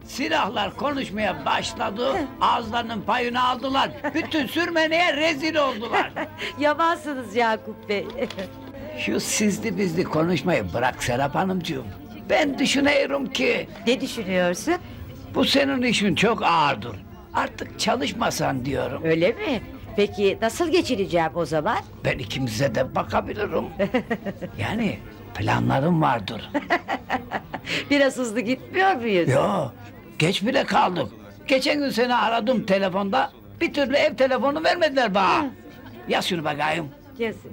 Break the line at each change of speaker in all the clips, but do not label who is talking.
Silahlar konuşmaya başladı, ağızlarının payını aldılar. Bütün sürmeneye rezil oldular.
Yamansınız Yakup Bey.
Şu sizli bizli konuşmayı bırak Serap Hanımcığım. Ben düşünüyorum ki
Ne düşünüyorsun?
bu senin işin çok ağırdır. Artık çalışmasan diyorum.
Öyle mi? Peki nasıl geçineceğim o zaman?
Ben ikimize de bakabilirim. Yani planlarım vardır.
Biraz hızlı gitmiyor muyuz?
Yo, geç bile kaldık. Geçen gün seni aradım telefonda. Bir türlü ev telefonu vermediler bana. Yaz şunu bakayım.
Yazık.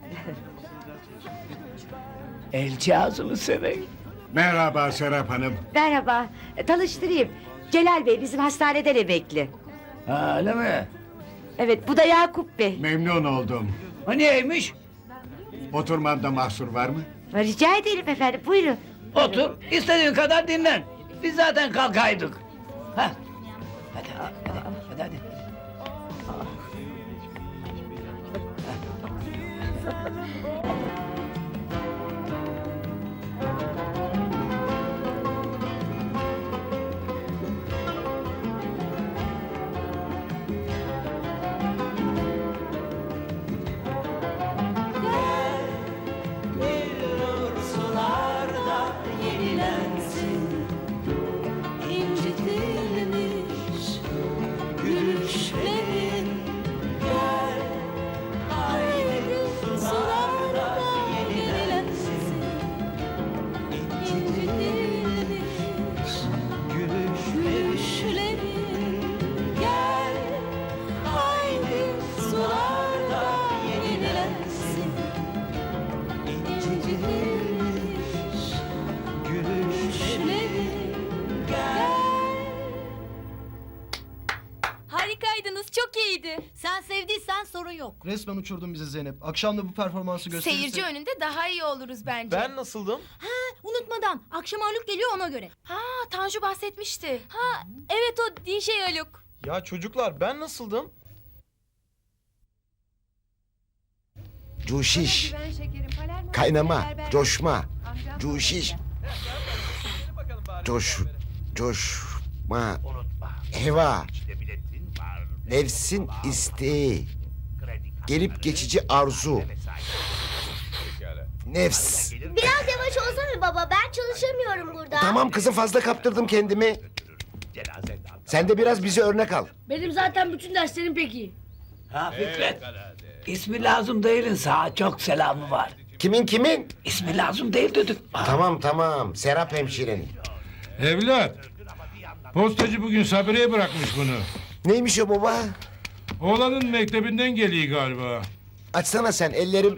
Elçi ağzını seveyim.
Merhaba Serap Hanım.
Merhaba, tanıştırayım. Celal Bey bizim hastaneden emekli.
Ha, öyle mi?
Evet, bu da Yakup Bey.
Memnun oldum.
O niyeymiş?
Oturmamda mahsur var mı?
Rica ederim efendim, buyurun.
Otur, istediğin kadar dinlen. Biz zaten kalkaydık. Ha. Hadi.
İncitilmiş gülüşlerin gel haydi sularda yenilensin. İncitilmiş gülüşlerin gel haydi sularda yenilensin. İncitilmiş gülüşlerin
Harikaydınız, çok iyiydi.
Sen sevdiysen sorun yok.
Resmen uçurdun bizi Zeynep. Akşam da bu performansı gösterirse...
Seyirci önünde daha iyi oluruz bence.
Ben nasıldım?
Unutmadan akşam Haluk geliyor ona göre.
Ha, Tanju bahsetmişti. Ha, evet o DJ Haluk.
Ya çocuklar ben nasıldım?
Cuşiş, kaynama, coşma, cuşiş, coşma, heva, nefsin isteği, gelip geçici arzu, nefs.
Biraz yavaş olsana baba, ben çalışamıyorum burada.
Tamam kızım, fazla kaptırdım kendimi. Sen de biraz bize örnek al.
Benim zaten bütün derslerim pek iyi.
Ha Fikret. İsmi lazım değilin sağ çok selamı var.
Kimin?
İsmi lazım değil dedik.
Tamam, Serap hemşirenin.
Evlat, postacı bugün Sabri'ye bırakmış bunu.
Neymiş o baba?
Oğlanın mektebinden geliyor galiba.
Açsana sen, ellerim...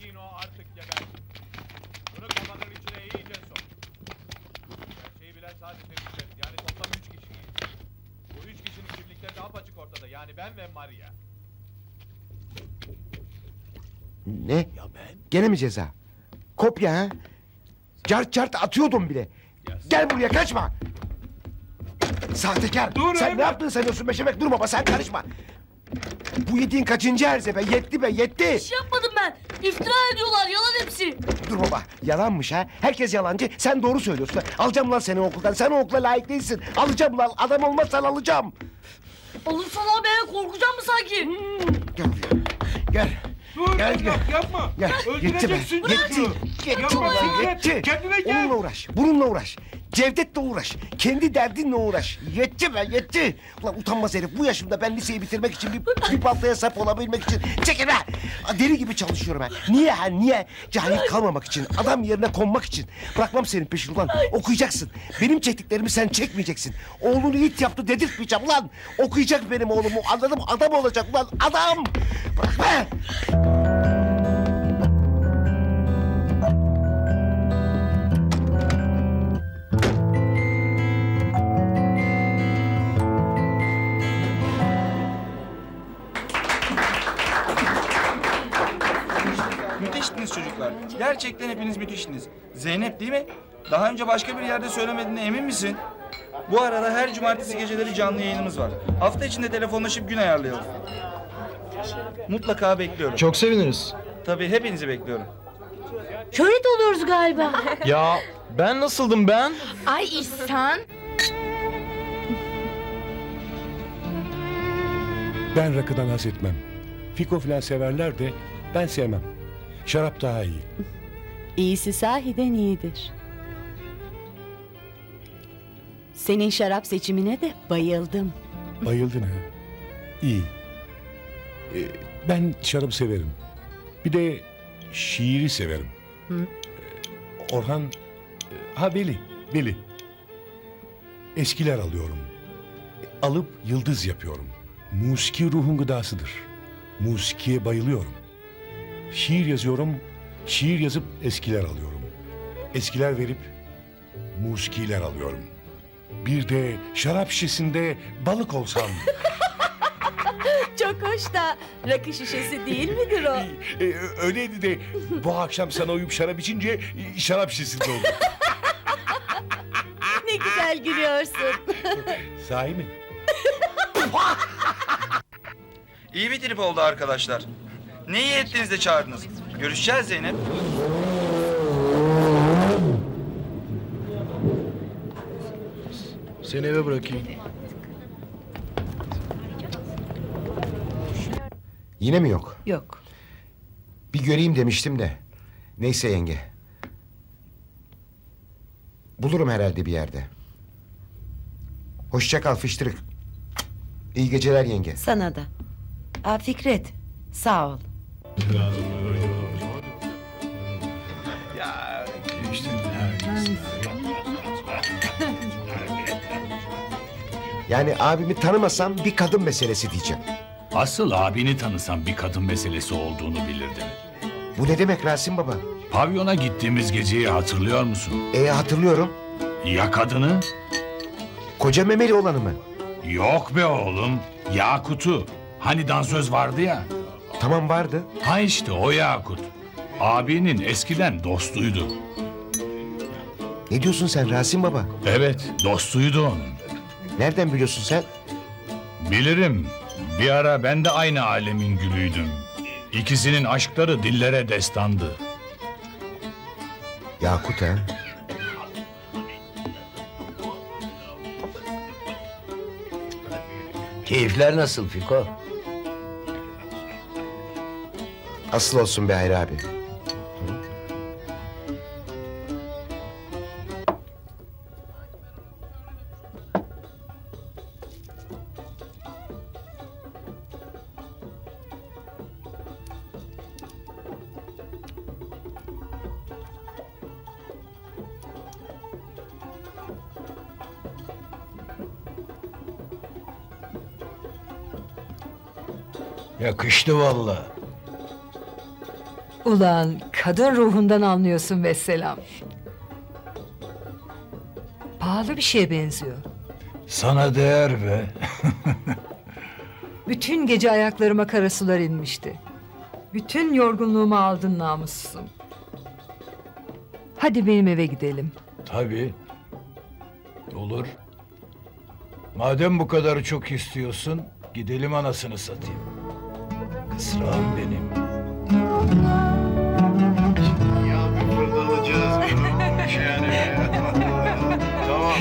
Yani ben ve Maria.
Ne? Ya ben? Gene mi ceza? Kopya ha? Cart atıyordum bile. Gel buraya, kaçma! Sahtekar!
Dur
sen
evlat!
ne yaptın sanıyorsun Beşemek? Dur baba, sen karışma! Bu yediğin kaçıncı erze be? Yetti!
Bir şey yapmadım ben. İftira ediyorlar, yalan hepsi.
Dur baba, yalanmış ha? Herkes yalancı, sen doğru söylüyorsun. Alacağım lan seni okuldan, sen o okula layık değilsin. Alacağım lan, adam olmazsan alacağım.
Olursan abi ben korkacağım mı sanki?
Gel buraya, gel.
Dur
Gel,
evlat,
gel.
yapma.
Gel, yetti be,
Öldüreceksin
yetti.
çocuğu.
Yetti
Yapma
ulan,
Fikret,
yetti.
kendine gel.
Onunla uğraş, bununla uğraş. Cevdet'le uğraş, kendi derdinle uğraş. Yetti be, yetti. Ulan utanmaz herif, bu yaşımda ben liseyi bitirmek için bir baltaya sap olabilmek için... Çekil be! Deli gibi çalışıyorum ben. Niye? Cahil kalmamak için, adam yerine konmak için. Bırakmam senin peşini ulan, okuyacaksın. Benim çektiklerimi sen çekmeyeceksin. Oğlunu it yaptı dedirtmeyeceğim ulan. Okuyacak benim oğlumu, anladım, adam olacak ulan, adam! Bırak be!
Müthiştiniz çocuklar. Gerçekten hepiniz müthiştiniz. Zeynep değil mi? Daha önce başka bir yerde söylemediğine emin misin? Bu arada her cumartesi geceleri canlı yayınımız var. Hafta içinde telefonlaşıp gün ayarlayalım. Mutlaka bekliyorum.
Çok seviniriz.
Tabii hepinizi bekliyorum.
Şöhret oluyoruz galiba.
Ya ben nasıldım ben?
Ay İhsan.
Ben rakıdan haz etmem. Fiko filan severler de ben sevmem. Şarap daha iyi.
İyisi sahiden iyidir. Senin şarap seçimine de bayıldım.
Bayıldın ha. İyi. Ben şarabı severim. Bir de şiiri severim. Orhan... Veli. Eskiler alıyorum. Alıp yıldız yapıyorum. Musiki ruhun gıdasıdır. Musikiye bayılıyorum. Şiir yazıyorum. Şiir yazıp eskiler alıyorum. Eskiler verip musikiler alıyorum. Bir de şarap şişesinde balık olsam.
Çok hoş da rakı şişesi değil midir o?
Öyleydi de bu akşam sana uyup şarap içince şarap şişesinde oldu.
Ne güzel gülüyorsun.
Sahi mi?
İyi bir trip oldu arkadaşlar. Ne iyi ettiniz de çağırdınız. Görüşeceğiz Zeynep.
Seni eve bırakayım.
Yine mi yok?
Yok.
Bir göreyim demiştim de. Neyse yenge. Bulurum herhalde bir yerde. Hoşça kal fıştırık. İyi geceler yenge.
Sana da. Aa, Fikret, sağ ol.
Yani abimi tanımasam bir kadın meselesi diyeceğim.
Asıl abini tanısan bir kadın meselesi olduğunu bilirdin.
Bu ne demek Rasim baba?
Pavyona gittiğimiz geceyi hatırlıyor musun?
Hatırlıyorum.
Ya kadını?
Koca memeli olanı mı?
Yok be oğlum. Yakut'u. Hani dansöz vardı ya.
Tamam vardı.
Ha işte o Yakut. Abinin eskiden dostuydu.
Ne diyorsun sen Rasim baba?
Evet, dostuydu onun.
Nereden biliyorsun sen?
Bilirim. Bir ara ben de aynı alemin gülüydüm. İkisinin aşkları dillere destandı.
Yakut ha?
Keyifler nasıl Fiko?
Asıl olsun be Hayri abi.
Yakıştı vallahi.
Ulan kadın ruhundan anlıyorsun vesselam. Pahalı bir şeye benziyor.
Sana değer be.
Bütün gece ayaklarıma kara sular inmişti. Bütün yorgunluğumu aldın namussuzum. Hadi benim eve gidelim.
Tabii. Olur. Madem bu kadar çok istiyorsun, gidelim anasını satayım. Kısrağım benim.
Ya bir fırlatacağız yani. Tamam.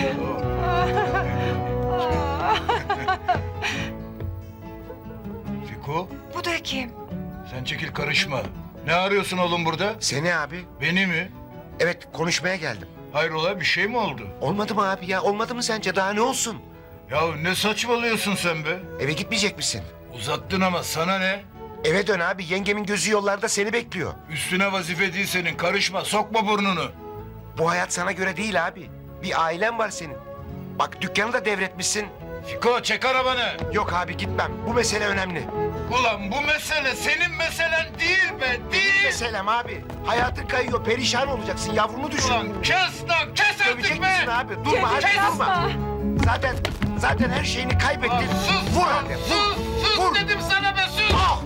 Fiko,
Bu da kim?
sen çekil karışma. Ne arıyorsun oğlum burada?
Seni abi.
Beni mi?
Evet konuşmaya geldim.
Hayrola bir şey mi oldu?
Olmadı mı abi ya? Olmadı mı sence? Daha ne olsun?
Ya ne saçmalıyorsun sen be?
Eve gitmeyecek misin?
Uzattın ama sana ne?
Eve dön abi. Yengemin gözü yollarda seni bekliyor.
Üstüne vazife değil senin. Karışma, sokma burnunu.
Bu hayat sana göre değil abi. Bir ailen var senin. Bak dükkanı da devretmişsin.
Fiko çek arabanı.
Yok abi gitmem. Bu mesele önemli.
Ulan bu mesele senin meselen değil be,
Benim
değil.
meselem abi. Hayatın kayıyor. Perişan olacaksın. Yavrunu düşün.
Ulan kes lan, kes
Dövecek
artık be.
misin abi? Durma hadi durma. Zaten her şeyini kaybettin.
Lan sus,
Vur hadi. Vur.
sus
Vur.
dedim sana be, sus.
Ah!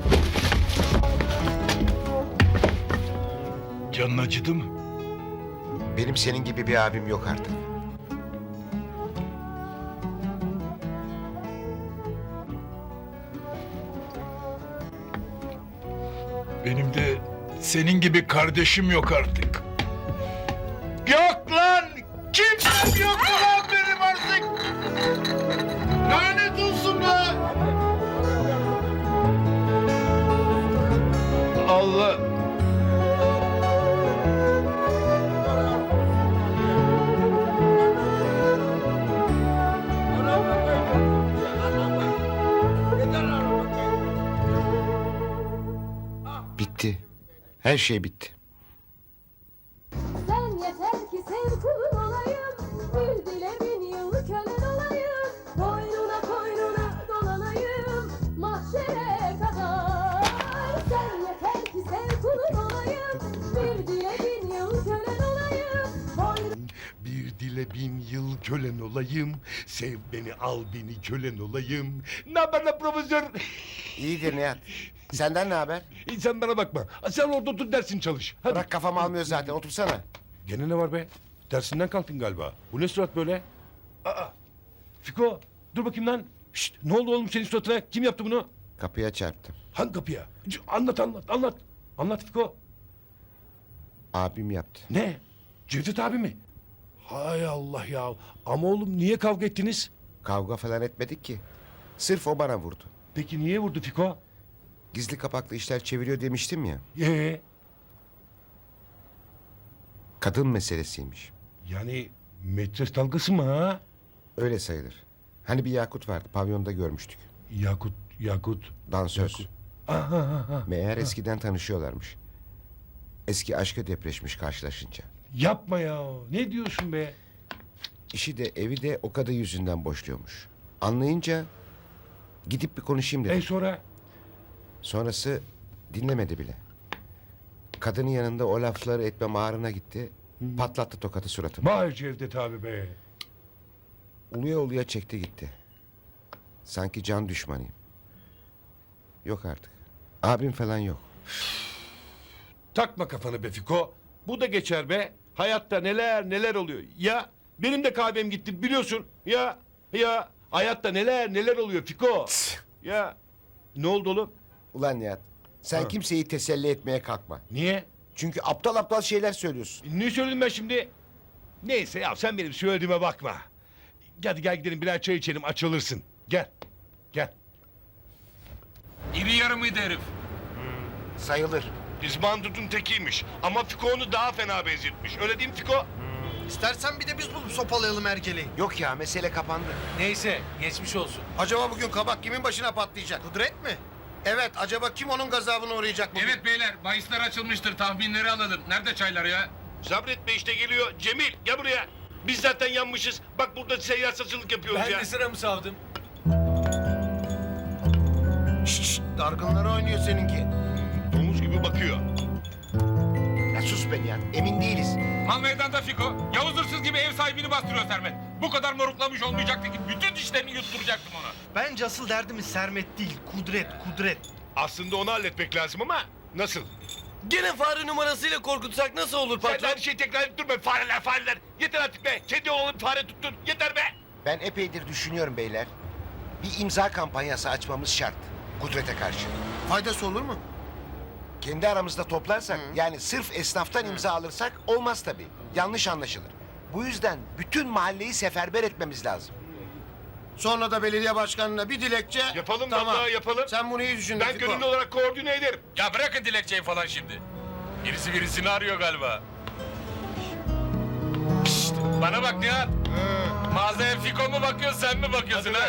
Canın acıdı mı?
Benim senin gibi bir abim yok artık.
Benim de senin gibi kardeşim yok artık. Yok lan! Kimsem yok lan benim artık! Lanet olsun be!
Her şey bitti.
Sen yeter ki sev kulun olayım. Bir dile bin yıl kölen olayım. Koynuna koynuna dolanayım. Mahşere kadar. Sen yeter ki sev kulun olayım. Bir dile bin yıl kölen olayım.
Bir dile 1000 yıl kölen olayım. Sev beni, al beni, kölen olayım. Ne haber lan profesör?
İyidir Nihat. Senden ne haber?
Sen bana bakma. Sen orada otur dersin çalış. Hadi.
Bırak kafam almıyor zaten. Otursana.
Gene ne var be? Dersinden kalktın galiba. Bu ne surat böyle? Aa, Fiko dur bakayım lan. Şşt, ne oldu oğlum senin suratına? Kim yaptı bunu?
Kapıya çarptım.
Hangi kapıya? Anlat. Anlat Fiko.
Abim yaptı.
Ne? Cevdet abi mi? Hay Allah ya. Ama oğlum niye kavga ettiniz?
Kavga falan etmedik ki. Sırf o bana vurdu.
Peki niye vurdu Fiko?
Gizli kapaklı işler çeviriyor demiştim ya. Kadın meselesiymiş.
Yani metres dalgası mı ha?
Öyle sayılır. Hani bir Yakut vardı. Pavyonda görmüştük.
Yakut.
Dansöz.
Aha.
Meğer eskiden tanışıyorlarmış. Eski aşka depreşmiş karşılaşınca.
Yapma ya. Ne diyorsun be?
İşi de evi de o kadın yüzünden boşluyormuş. Anlayınca gidip bir konuşayım dedim.
Sonra?
Sonrası dinlemedi bile. Kadının yanında o lafları etmem ağrına gitti. Patlattı tokatı suratıma.
Vay Cevdet abi be.
Uluya uluya çekti gitti. Sanki can düşmanıyım. Yok artık. Abim falan yok.
Takma kafanı be Fiko. Bu da geçer be. Hayatta neler oluyor. Ya benim de kahvem gitti biliyorsun. Ya hayatta neler oluyor Fiko. Ya ne oldu oğlum?
Ulan Nihat, sen
Ha.
kimseyi teselli etmeye kalkma.
Niye?
Çünkü aptal aptal şeyler söylüyorsun.
Ne söyledim ben şimdi? Neyse ya sen benim söylediğime bakma. Hadi gel gidelim birer çay içelim açılırsın. Gel.
İri yarı mıydı herif?
Sayılır.
İzbandut'un tekiymiş. Ama Fiko onu daha fena benzetmiş. Öyle değil mi Fiko?
İstersen bir de biz bulup sopalayalım Ergele'yi.
Yok ya, mesele kapandı.
Neyse geçmiş olsun. Acaba bugün kabak kimin başına patlayacak? Kudret mi? Evet, acaba kim onun gazabına uğrayacak bugün? Evet beyler, bahisler açılmıştır. Tahminleri alalım. Nerede çaylar ya?
Sabretme işte geliyor. Cemil gel buraya. Biz zaten yanmışız. Bak burada seyyar saçılık yapıyoruz ya.
sıramı savdım. Şşş, dargınlara oynuyor seninki.
Domuz gibi bakıyor.
Ya sus be Nihat, emin değiliz.
Mal meydanda Fiko. Yavuz hırsız gibi ev sahibini bastırıyor Sermet. Bu kadar moruklamış olmayacaktı ki bütün dişlerini yutturacaktım ona. Bence asıl derdimiz Sermet değil, Kudret.
Aslında onu halletmek lazım ama nasıl?
Gene fare numarasıyla korkutsak nasıl olur
Sen her şeyi tekrar edip durma. Fareler. Yeter artık be. Kedi oğlum fare tuttun. Yeter be.
Ben epeydir düşünüyorum beyler. Bir imza kampanyası açmamız şart. Kudret'e karşı.
Faydası olur mu?
Kendi aramızda toplarsak, yani sırf esnaftan imza alırsak olmaz tabii. Yanlış anlaşılır. Bu yüzden bütün mahalleyi seferber etmemiz lazım.
Sonra da belediye başkanına bir dilekçe.
Yapalım vallahi yapalım.
Sen bunu iyi düşün.
Ben gönüllü olarak koordine ederim.
Ya bırakın dilekçeyi falan şimdi. Birisi birisini arıyor galiba. Şşt, bana bak Nihat. Mağazaya Fiko mu bakıyor sen mi bakıyorsun ha?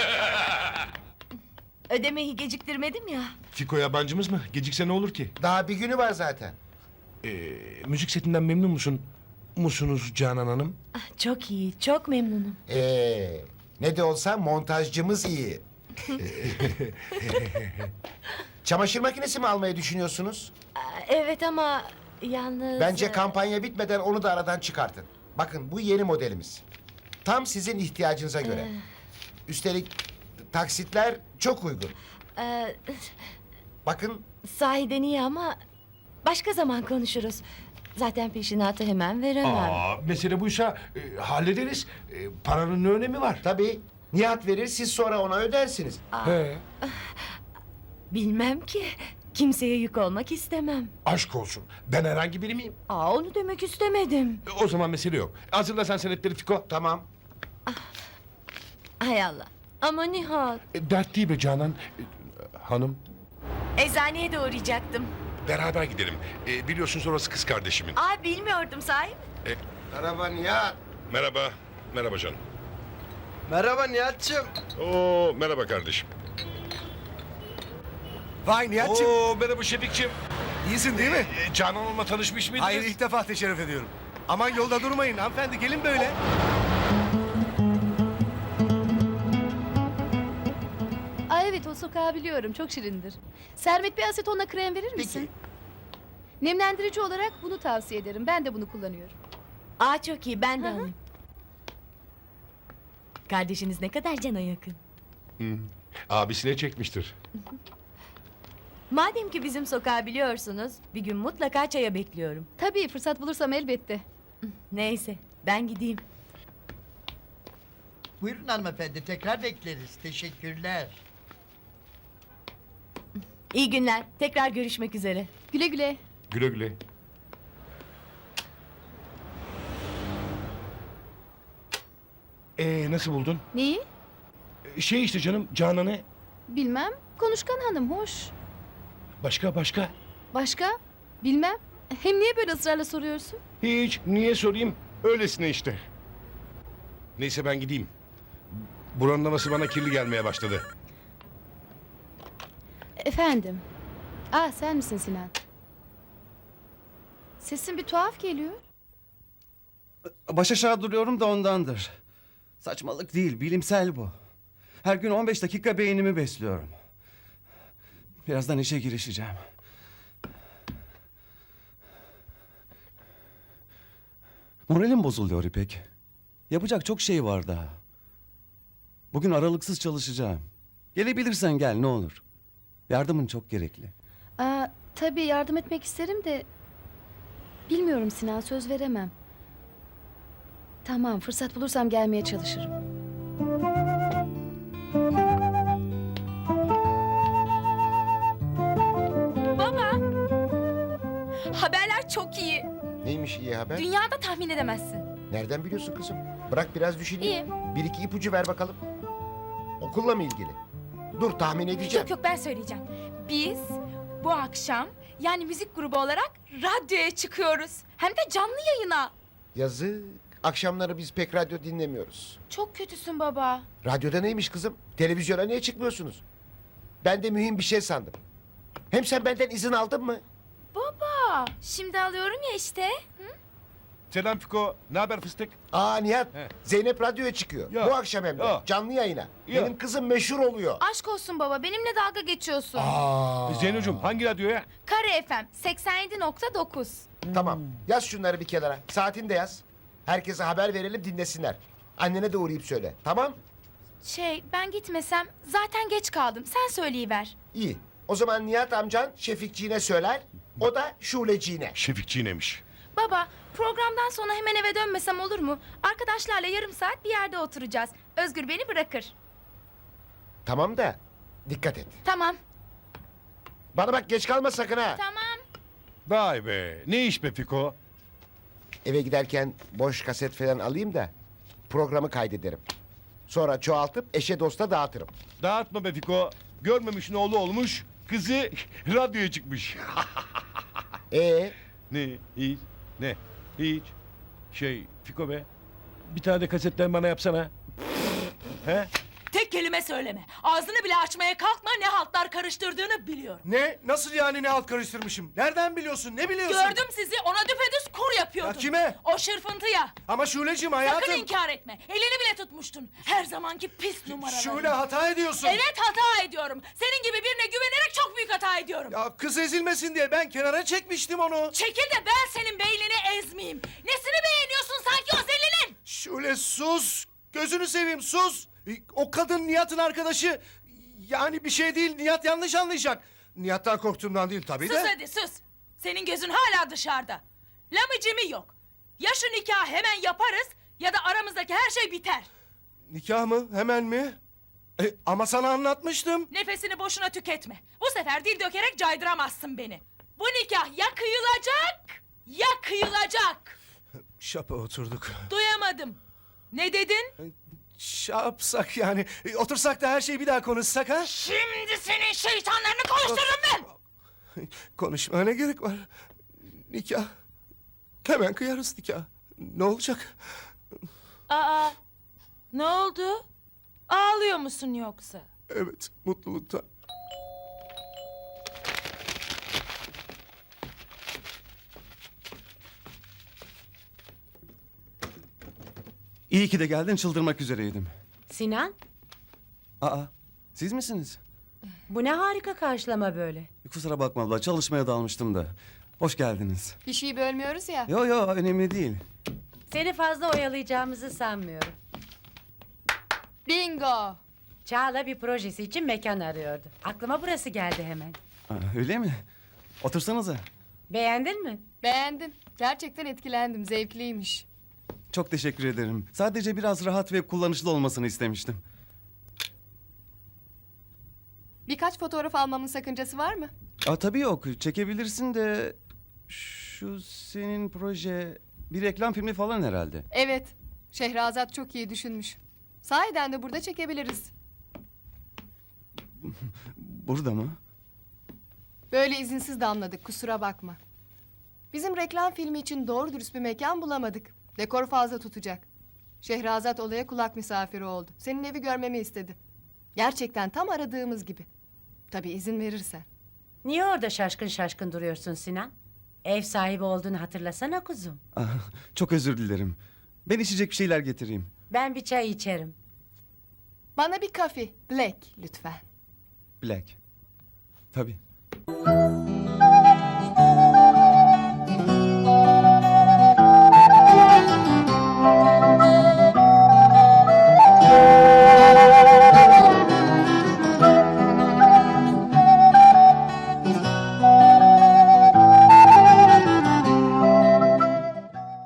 Ödemeyi geciktirmedim ya.
Fiko yabancımız mı? Gecikse ne olur ki?
Daha bir günü var zaten.
Müzik setinden memnun musun? Musunuz Canan Hanım?
Çok iyi, çok memnunum.
Ne de olsa montajcımız iyi. Çamaşır makinesi mi almayı düşünüyorsunuz?
Evet ama yalnız...
Bence kampanya bitmeden onu da aradan çıkartın. Bakın bu yeni modelimiz. Tam sizin ihtiyacınıza göre. Üstelik taksitler çok uygun. Bakın
Sahiden iyi ama başka zaman konuşuruz. Zaten peşinatı hemen veremem.
Mesele buysa hallederiz. Paranın ne önemi var?
tabii Nihat verir, siz sonra ona ödersiniz.
He.
Bilmem ki. Kimseye yük olmak istemem.
Aşk olsun. Ben herhangi biri miyim?
Onu demek istemedim.
O zaman mesele yok. Hazırla sen senetleri Fiko.
Tamam.
Hay Allah. Ama Nihat.
Dert değil be Canan. Hanım.
Eczaneye de uğrayacaktım.
Beraber gidelim. Biliyorsunuz orası kız kardeşimin.
Bilmiyordum sahi mi?
Merhaba Nihat.
Merhaba. Merhaba canım.
Merhaba Nihat'cığım.
Oo merhaba kardeşim.
Vay Nihat'cığım.
Oo merhaba Şefik'ciğim.
İyisin değil mi?
Canan Hanım'la tanışmış mıydınız?
Hayır, ilk defa teşerrüf ediyorum. Aman yolda durmayın hanımefendi, gelin böyle.
Aa, evet, o sokağı biliyorum, çok şirindir. Sermet, bir asetonla krem verir misin? Nemlendirici olarak bunu tavsiye ederim. Ben de bunu kullanıyorum.
Aa, çok iyi, ben de
Hı hı.
alayım. Kardeşiniz ne kadar cana yakın.
Abisine çekmiştir.
Madem ki bizim sokağı biliyorsunuz, bir gün mutlaka çaya bekliyorum.
Tabii, fırsat bulursam elbette.
Neyse, ben gideyim.
Buyurun hanımefendi, tekrar bekleriz. Teşekkürler.
İyi günler, tekrar görüşmek üzere.
Güle güle.
Güle güle. Nasıl buldun?
Neyi?
Şey işte canım, Canan'ı.
Bilmem. Konuşkan hanım, hoş.
Başka?
Başka? Bilmem. Hem niye böyle ısrarla soruyorsun?
Hiç, niye sorayım? Öylesine işte. Neyse ben gideyim. Buranın havası bana kirli gelmeye başladı.
Efendim. Aa, sen misin Sinan? Sesin bir tuhaf geliyor.
Baş aşağı duruyorum da ondandır. Saçmalık değil, bilimsel bu. Her gün 15 dakika beynimi besliyorum. Birazdan işe girişeceğim. Moralim bozuluyor İpek. Yapacak çok şey var daha. Bugün aralıksız çalışacağım. Gelebilirsen gel ne olur. Yardımın çok gerekli.
Aa, tabii yardım etmek isterim de... Bilmiyorum Sinan, söz veremem. Tamam, fırsat bulursam gelmeye çalışırım.
Baba! Haberler çok iyi.
Neymiş iyi haber?
Dünyada tahmin edemezsin.
Nereden biliyorsun kızım? Bırak biraz düşüneyim. Bir iki ipucu ver bakalım. Okulla mı ilgili? Dur tahmin edeceğim.
Yok ben söyleyeceğim. Biz bu akşam yani müzik grubu olarak radyoya çıkıyoruz. Hem de canlı yayına.
Yazık. Akşamları biz pek radyo dinlemiyoruz.
Çok kötüsün baba.
Radyoda neymiş kızım? Televizyona niye çıkmıyorsunuz? Ben de mühim bir şey sandım. Hem sen benden izin aldın mı?
Baba şimdi alıyorum ya işte.
Selam Fiko, ne haber fıstık?
Aa Nihat,
He.
Zeynep radyoya çıkıyor.
Ya.
Bu akşam hem de.
Ya.
Canlı yayına.
Ya.
Benim kızım meşhur oluyor.
Aşk olsun baba benimle dalga geçiyorsun.
Zeynocuğum hangi radyoya?
Kare FM 87.9.
Tamam, yaz şunları bir kenara. Saatini de yaz. Herkese haber verelim dinlesinler. Annene de uğrayıp söyle, tamam?
Ben gitmesem zaten geç kaldım. Sen söyleyiver.
İyi. O zaman Nihat amcan Şefikciğine söyler. O da Şuleciğine.
Şefikçiğnemiş.
Baba programdan sonra hemen eve dönmesem olur mu? Arkadaşlarla yarım saat bir yerde oturacağız. Özgür beni bırakır.
Tamam da dikkat et.
Tamam.
Bana bak geç kalma sakın ha.
Tamam.
Vay be, ne iş be Fiko?
Eve giderken boş kaset falan alayım da programı kaydederim. Sonra çoğaltıp eşe dosta dağıtırım.
Dağıtma be Fiko. Görmemişin oğlu olmuş, kızı radyoya çıkmış. Ne, hiç, ne, hiç. Fiko be, bir tane de kasetten bana yapsana. He?
Tek kelime söyleme. Ağzını bile açmaya kalkma ne haltlar karıştırdığını biliyorum.
Ne? Nasıl yani ne alt karıştırmışım? Nereden biliyorsun? Ne biliyorsun?
Gördüm sizi ona düpedüz kur yapıyordun.
Ya kime?
O şırfıntıya.
Ama Şuleciğim hayatım.
Sakın inkar etme. Elini bile tutmuştun. Her zamanki pis numaraları.
Şule hata ediyorsun.
Evet hata ediyorum. Senin gibi birine güvenerek çok büyük hata ediyorum.
Ya kız ezilmesin diye ben kenara çekmiştim onu.
Çekil de ben senin beynini ezmeyeyim. Nesini beğeniyorsun sanki o zelinin?
Şule sus. Gözünü seveyim sus. O kadın Nihat'ın arkadaşı. Yani bir şey değil Nihat yanlış anlayacak. Nihat'tan korktuğumdan değil tabii de.
Sus hadi sus. Senin gözün hala dışarıda. Lamıcımı yok. Ya şu nikahı hemen yaparız ya da aramızdaki her şey biter.
Nikah mı? Hemen mi? Ama sana anlatmıştım.
Nefesini boşuna tüketme. Bu sefer dil dökerek caydıramazsın beni. Bu nikah ya kıyılacak ya kıyılacak.
Şapa oturduk.
Duyamadım. Ne dedin?
Şey yapsak yani. Otursak da her şeyi bir daha konuşsak ha?
Şimdi senin şeytanlarını konuştururum ben.
Konuşmaya ne gerek var? Nikah. Hemen kıyarız nikah. Ne olacak?
Aa, ne oldu? Ağlıyor musun yoksa?
Evet, mutluluktan.
İyi ki de geldin, çıldırmak üzereydim.
Sinan,
Aa, siz misiniz?
bu ne harika karşılama böyle.
Kusura bakma abla, çalışmaya dalmıştım da. Hoş geldiniz.
Bir şey bölmüyoruz ya.
Yo yo, önemli değil.
Seni fazla oyalayacağımızı sanmıyorum.
Bingo.
Çağla bir projesi için mekan arıyordu. Aklıma burası geldi hemen.
Aa, öyle mi? Otursanıza.
Beğendin mi?
Beğendim. Gerçekten etkilendim. Zevkliymiş.
Çok teşekkür ederim. Sadece biraz rahat ve kullanışlı olmasını istemiştim.
Birkaç fotoğraf almamın sakıncası var mı?
Aa, tabii yok, çekebilirsin de... Şu senin proje... Bir reklam filmi falan herhalde.
Evet. Şehrazat çok iyi düşünmüş. Sahiden de burada çekebiliriz.
Burada mı?
Böyle izinsiz damladık, kusura bakma. Bizim reklam filmi için doğru dürüst bir mekan bulamadık. Dekor fazla tutacak. Şehrazat olaya kulak misafiri oldu. Senin evi görmemi istedi. Gerçekten tam aradığımız gibi. Tabii izin verirsen.
Niye orada şaşkın şaşkın duruyorsun Sinan? Ev sahibi olduğunu hatırlasana kuzum.
Aa, çok özür dilerim. Ben içecek bir şeyler getireyim.
Ben bir çay içerim.
Bana bir kafe, black lütfen.
Black. Tabii.